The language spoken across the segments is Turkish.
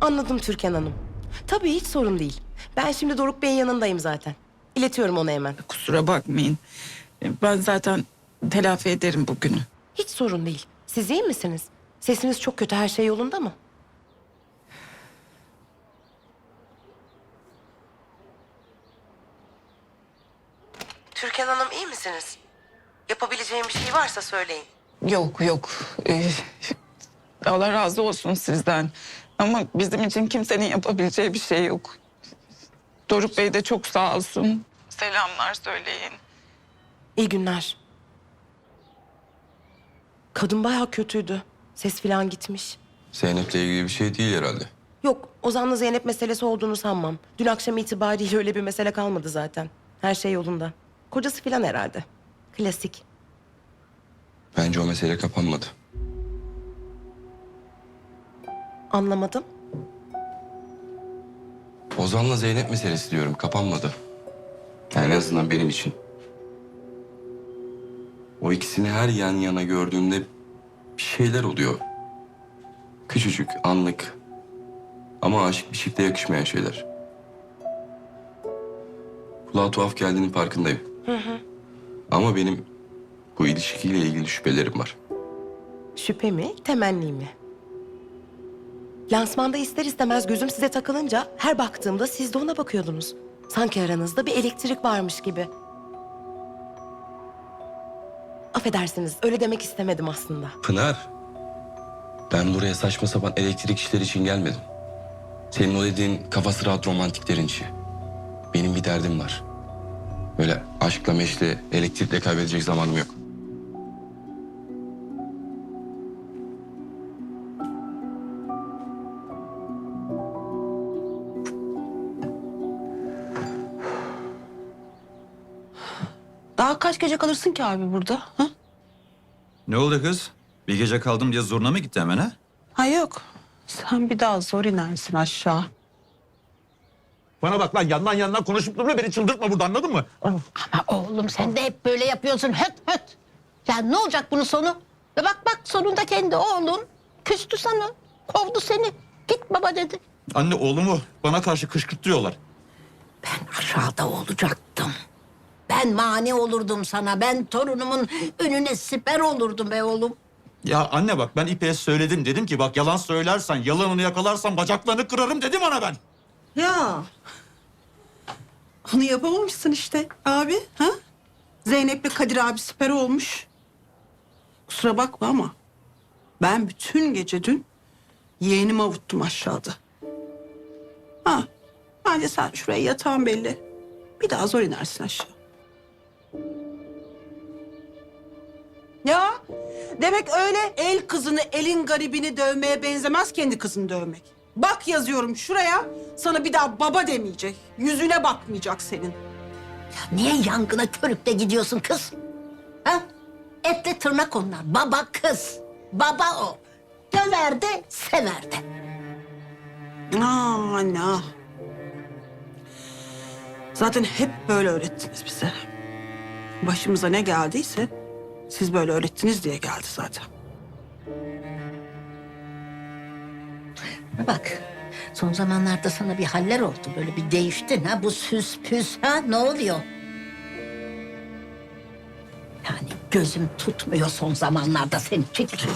Anladım Türkan Hanım. Tabii hiç sorun değil. Ben şimdi Doruk Bey'in yanındayım zaten. İletiyorum ona hemen. Kusura bakmayın. Ben zaten telafi ederim bugünü. Hiç sorun değil. Siz iyi misiniz? Sesiniz çok kötü. Her şey yolunda mı? Türkan Hanım iyi misiniz? Yapabileceğim bir şey varsa söyleyin. Yok yok. Allah razı olsun sizden. Ama bizim için kimsenin yapabileceği bir şey yok. Doruk Bey de çok sağ olsun. Selamlar söyleyin. İyi günler. Kadın bayağı kötüydü. Ses falan gitmiş. Zeynep'le ilgili bir şey değil herhalde. Yok, Ozan'la Zeynep meselesi olduğunu sanmam. Dün akşam itibariyle öyle bir mesele kalmadı zaten. Her şey yolunda. Kocası falan herhalde. Klasik. Bence o mesele kapanmadı. Anlamadım. Ozan'la Zeynep meselesi diyorum, kapanmadı. Yani en azından benim için. O ikisini her yan yana gördüğümde bir şeyler oluyor. Küçücük, anlık. Ama aşık bir çifte yakışmayan şeyler. Kulağa tuhaf geldiğinin farkındayım. Ama benim bu ilişkiyle ilgili şüphelerim var. Şüphe mi, temenni mi? Lansmanda ister istemez gözüm size takılınca her baktığımda siz de ona bakıyordunuz. Sanki aranızda bir elektrik varmış gibi. Affedersiniz, öyle demek istemedim aslında. Pınar, ben buraya saçma sapan elektrik işleri için gelmedim. Senin o dediğin kafası rahat romantiklerin işi. Benim bir derdim var. Böyle aşkla meşle, elektrikle kaybedecek zamanım yok. Daha kaç gece kalırsın ki abi burada? Ha? Ne oldu kız? Bir gece kaldım diye zoruna mı gitti hemen ha? Ha yok. Sen bir daha zor inersin aşağı. Bana bak lan yandan konuşup durma beni çıldırtma burada anladın mı? Ama oğlum sen de hep böyle yapıyorsun höt höt. Ya ne olacak bunun sonu? Ve bak sonunda kendi oğlun küstü sana. Kovdu seni. Git baba dedi. Anne oğlumu bana karşı kışkırtıyorlar. Ben aşağıda olacaktım. Ben mani olurdum sana. Ben torunumun önüne siper olurdum be oğlum. Ya anne bak ben İpek'e söyledim. Dedim ki bak yalan söylersen, yalanını yakalarsan bacaklarını kırarım dedim ona ben. Ya. Onu yapamamışsın işte abi. Ha? Zeynep'le Kadir abi süper olmuş. Kusura bakma ama ben bütün gece dün yeğenimi avuttum aşağıda. Ha, bence sen şuraya yatağın belli. Bir daha zor inersin aşağı. Ya demek öyle el kızını elin garibini dövmeye benzemez kendi kızını dövmek. Bak yazıyorum şuraya sana bir daha baba demeyecek. Yüzüne bakmayacak senin. Ya niye yangına körükle gidiyorsun kız? Ha? Etle tırnak onlar. Baba kız. Baba o. Döver de sever de. Aa anne ah. Zaten hep böyle öğrettiniz bize. Başımıza ne geldiyse siz böyle öğrettiniz diye geldi zaten. Bak son zamanlarda sana bir haller oldu. Böyle bir değiştin ha. Bu süs püs ha ne oluyor? Yani gözüm tutmuyor son zamanlarda seni. Çekil.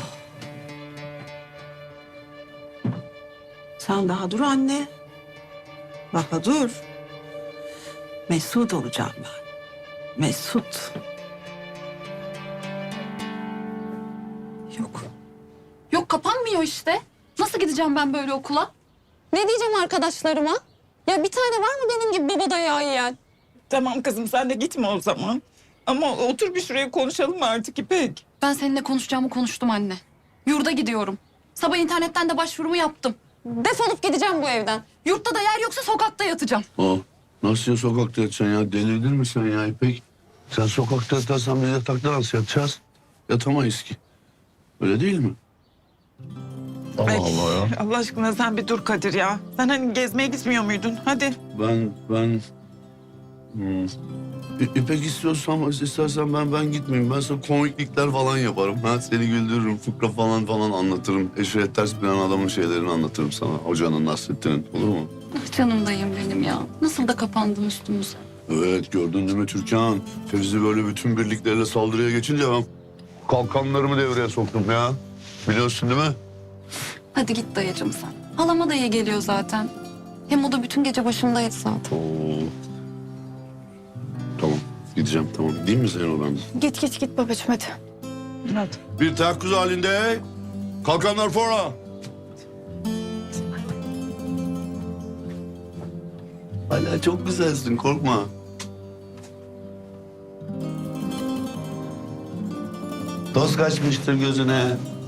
Sen daha dur anne. Daha dur. Mesut olacağım ben. Mesut. Yok. Yok kapanmıyor işte. Nasıl gideceğim ben böyle okula? Ne diyeceğim arkadaşlarıma? Ya bir tane var mı benim gibi baba dayağı yiyen? Tamam kızım sen de gitme o zaman. Ama otur bir şuraya konuşalım artık İpek. Ben seninle konuşacağımı konuştum anne. Yurda gidiyorum. Sabah internetten de başvurumu yaptım. Defolup gideceğim bu evden. Yurtta da yer yoksa sokakta yatacağım. Aa, nasıl ya sokakta yatacaksın ya? Delirdin mi sen ya İpek? Sen sokakta yatarsan biz yatakta nasıl yatacağız? Yatamayız ki. Öyle değil mi? Ay, Allah aşkına sen bir dur Kadir ya. Sen hani gezmeye gitmiyor muydun? Hadi. Ben... İpek istersen ben gitmeyeyim. Ben sana komiklikler falan yaparım. Ha, seni güldürürüm, fıkra falan anlatırım. Eşeğe ters binen adamın şeylerini anlatırım sana. Hocanın, Nasrettin'in. Olur mu? Ah canım dayım benim ya. Nasıl da kapandın üstümüze. Evet, gördün değil mi Türkan? Fevzi böyle bütün birlikleriyle saldırıya geçince ben kalkanlarımı devreye soktum ya. Biliyorsun değil mi? Hadi git dayıcım sen. Halama da iyi geliyor zaten. Hem o da bütün gece başımdaydı zaten. Oo. Tamam, gideceğim tamam. Değil mi senin odan? Git babacığım hadi. Hadi. Bir teyakkuz halinde. Kalkanlar fora. Hala çok güzelsin, korkma. Toz kaçmıştır gözüne.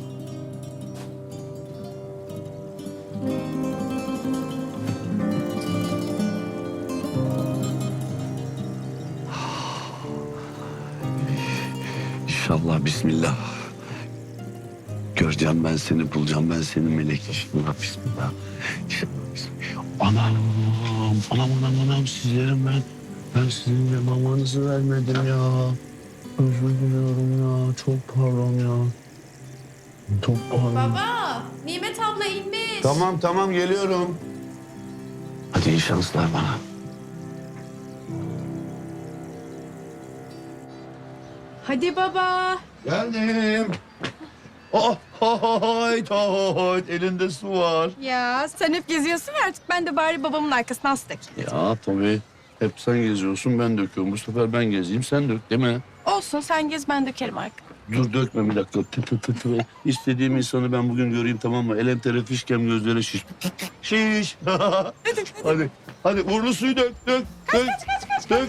İnşallah, bismillah. Göreceğim ben seni, bulacağım ben seni melek. İnşallah, bismillah. İnşallah, bismillah. Anam sizlerim ben. Ben sizin de mamanızı vermedim ya. Özür diliyorum ya, çok pardon ya. Çok pardon. Baba, Nimet abla inmiş. Tamam geliyorum. Hadi iyi şanslar bana. Hadi baba. Geldim. Hayt elinde su var. Ya sen hep geziyorsun ya artık ben de bari babamın arkasına astık. Ya tabii. Hep sen geziyorsun, ben döküyorum. Bu sefer ben gezeyim, sen dök değil mi? Olsun sen gez ben dökerim arkana. Dur dökme bir dakika. Tı. İstediğim insanı ben bugün göreyim tamam mı? Elem tere fişkem gözlere şiş. Şiş. Hadi uğurlu suyu dök. Dök.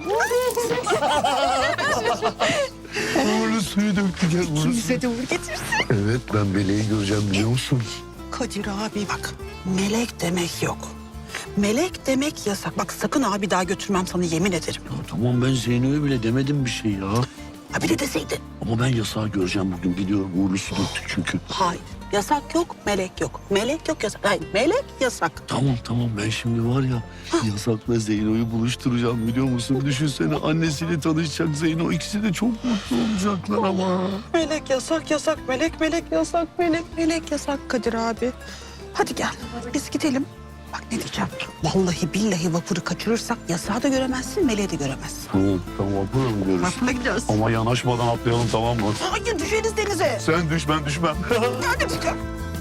Uğurlu suyu döktü gel. Bize de uğur getirsin. Evet ben meleği göreceğim biliyor musun? Kadir abi bak, melek demek yok. Melek demek yasak. Bak sakın abi daha götürmem sana yemin ederim. Tamam ben Zeyno'ya bile demedim bir şey ya. Ha bir de deseydin. Ama ben yasağı göreceğim bugün gidiyorum. Uğurlu su döktük çünkü. Hayır. Yasak yok, melek yok. Melek yok, yasak. Hayır, melek yasak. Tamam ben şimdi var ya yasakla Zeyno'yu buluşturacağım biliyor musun? Düşünsene annesiyle tanışacak Zeyno. İkisi de çok mutlu olacaklar ama. Melek yasak, melek yasak, melek yasak Kadir abi. Hadi gel, biz gidelim. Bak ne diyeceğim. Vallahi billahi vapuru kaçırırsak yasağı da göremezsin, meleği de göremezsin. Tamam vapurla mı gidiyoruz? Vapurla gidiyoruz. Ama yanaşmadan atlayalım tamam mı? Hayır düşeriz denize. Sen düş ben düşmem. Hadi düşelim.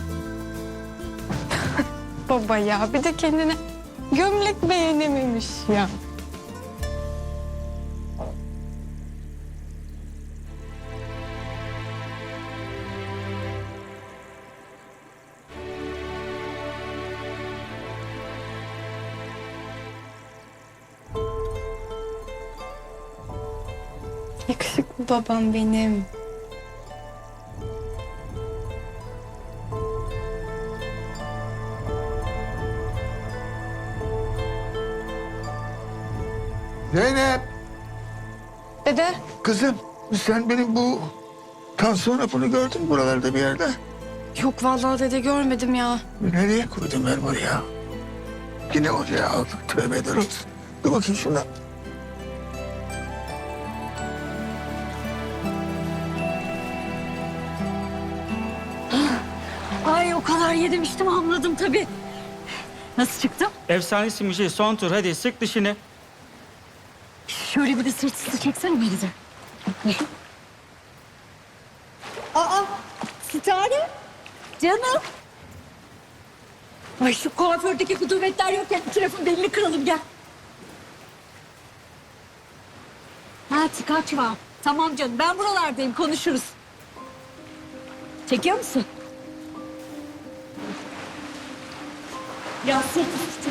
Baba ya bir de kendine gömlek beğenememiş ya. Yakışıklı babam benim. Zeynep, Dede. kızım sen benim bu tansiyon hapını gördün mü buralarda bir yerde? Yok vallahi dede görmedim ya. Nereye koydum ben bunu ya? Yine oraya aldım. Tövbe eder olsun. Dur bakayım şuna. Ay o kadar yedim içtim anladım tabii. Nasıl çıktım? Efsanesin bir şey. Son tur. Hadi sık dişini. Şöyle bir de sırt üstü çeksene beni de. Aa, Sitare. Canım. Ay şu kuafördeki kudubetler yokken iki tarafın belini kıralım gel. Ha kaçma. Tamam canım ben buralardayım konuşuruz. Çekiyor musun? Ya sırt üstü.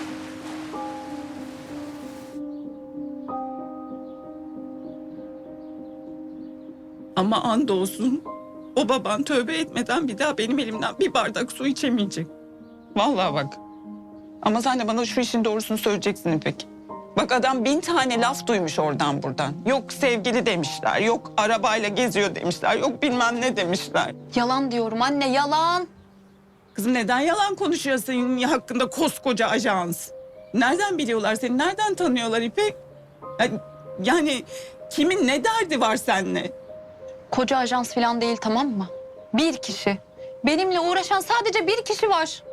Ama andolsun o baban tövbe etmeden bir daha benim elimden bir bardak su içemeyecek. Vallahi bak. Ama sen de bana şu işin doğrusunu söyleyeceksin İpek. Bak adam 1000 tane laf duymuş oradan buradan. Yok sevgili demişler, yok arabayla geziyor demişler, yok bilmem ne demişler. Yalan diyorum anne yalan. Kızım neden yalan konuşuyor senin hakkında koskoca ajans? Nereden biliyorlar seni, nereden tanıyorlar İpek? Ya Yani kimin ne derdi var seninle? Koca ajans falan değil, tamam mı? Bir kişi. Benimle uğraşan sadece bir kişi var.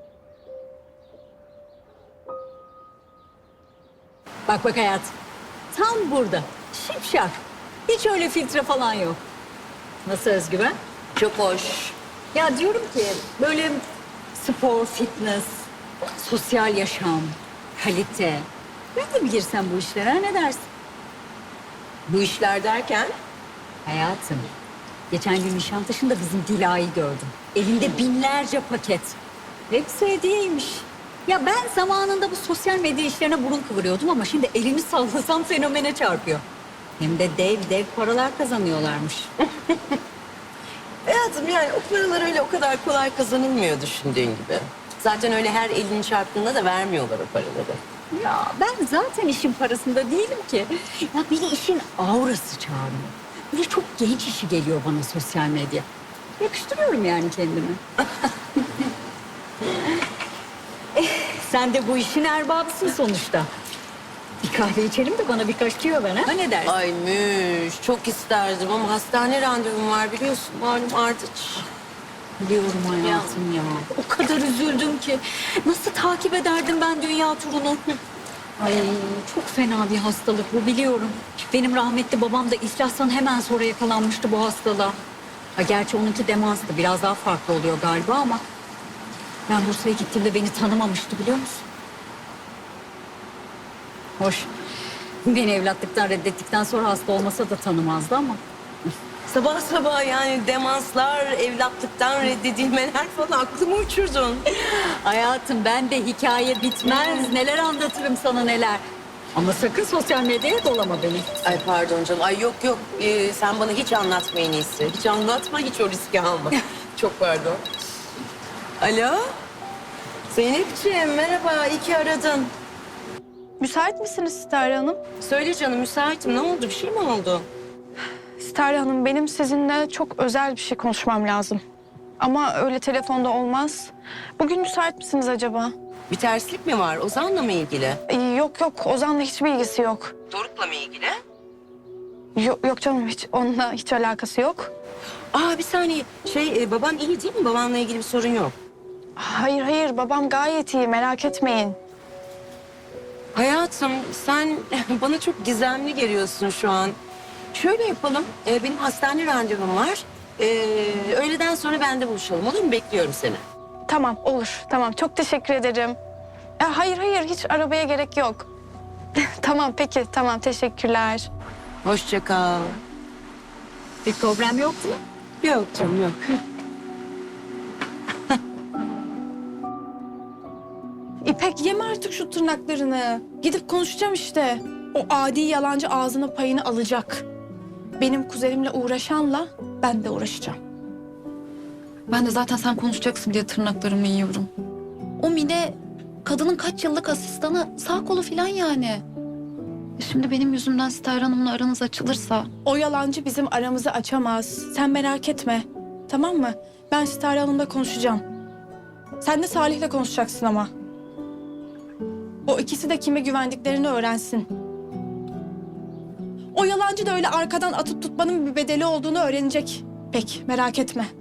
Bak bak hayatım. Tam burada. Şipşak. Hiç öyle filtre falan yok. Nasıl özgüven? Çok hoş. Ya diyorum ki böyle spor, fitness, sosyal yaşam, kalite. Ben de mi girsem bu işlere, ne dersin? Bu işler derken? Hayatım. Geçen gün Nişantaşı'nda bizim Dila'yı gördüm. Elinde binlerce paket. Hepsi hediyeymiş. Ya ben zamanında bu sosyal medya işlerine burun kıvırıyordum ama şimdi elimi sallasam fenomene çarpıyor. Hem de dev dev paralar kazanıyorlarmış. Hayatım yani o paralar öyle o kadar kolay kazanılmıyor düşündüğün gibi. Zaten öyle her elini çarptığında da vermiyorlar o paraları. Ya ben zaten işin parasında değilim ki. Ya beni işin aurası çağırıyor. Böyle çok genç işi geliyor bana sosyal medya. Yakıştırıyorum yani kendimi. Sen de bu işin erbabısın sonuçta. Bir kahve içelim de bana birkaç tüyo ver ha. Ne dersin? Ay Müş, çok isterdim ama hastane randevum var biliyorsun. Malum Ardıç. Biliyorum hayatım ya. O kadar üzüldüm ki. Nasıl takip ederdim ben dünya turunu? Ay çok fena bir hastalık bu, biliyorum. Benim rahmetli babam da iflastan hemen sonra yakalanmıştı bu hastalığa. Ha, gerçi onunki demanstı. Biraz daha farklı oluyor galiba ama... Ben Bursa'ya gittiğimde beni tanımamıştı, biliyor musun? Hoş. Beni evlatlıktan reddettikten sonra hasta olmasa da tanımazdı ama. Sabah sabah yani demanslar, evlatlıktan reddedilmeler falan aklımı uçurdun. Hayatım ben de hikaye bitmez. Neler anlatırım sana neler. Ama sakın sosyal medyaya dolama beni. Ay pardon canım. Ay yok yok. Sen bana hiç anlatma en iyisi. Hiç anlatma, hiç o riski alma. Çok pardon. Alo? Zeynepciğim merhaba. İyi ki aradın. Müsait misiniz Sitare Hanım? Söyle canım müsaitim. Ne oldu? Bir şey mi oldu? Sitare Hanım, benim sizinle çok özel bir şey konuşmam lazım. Ama öyle telefonda olmaz. Bugün müsait misiniz acaba? Bir terslik mi var? Ozan'la mı ilgili? Yok yok, Ozan'la hiçbir ilgisi yok. Doruk'la mı ilgili? Yok canım, hiç onunla hiç alakası yok. Aa bir saniye. Baban iyi değil mi? Babanla ilgili bir sorun yok. Hayır, babam gayet iyi, merak etmeyin. Hayatım sen bana çok gizemli geliyorsun şu an. Şöyle yapalım. Benim hastane randevum var. Öğleden sonra bende buluşalım. Olur mu? Bekliyorum seni. Tamam, olur. Tamam, çok teşekkür ederim. Hayır, hiç arabaya gerek yok. Tamam, peki. Tamam, teşekkürler. Hoşça kal. Bir problem yok mu? Yok canım yok. İpek, yeme artık şu tırnaklarını. Gidip konuşacağım işte. O adi yalancı ağzına payını alacak. Benim kuzenimle uğraşanla ben de uğraşacağım. Ben de zaten sen konuşacaksın diye tırnaklarımı yiyorum. O Mine kadının kaç yıllık asistanı, sağ kolu falan yani. Şimdi benim yüzümden Sitare Hanım'la aranız açılırsa... O yalancı bizim aramızı açamaz. Sen merak etme. Tamam mı? Ben Sitare Hanım'la konuşacağım. Sen de Salih'le konuşacaksın ama. O ikisi de kime güvendiklerini öğrensin. O yalancı da öyle arkadan atıp tutmanın bir bedeli olduğunu öğrenecek. Pek merak etme.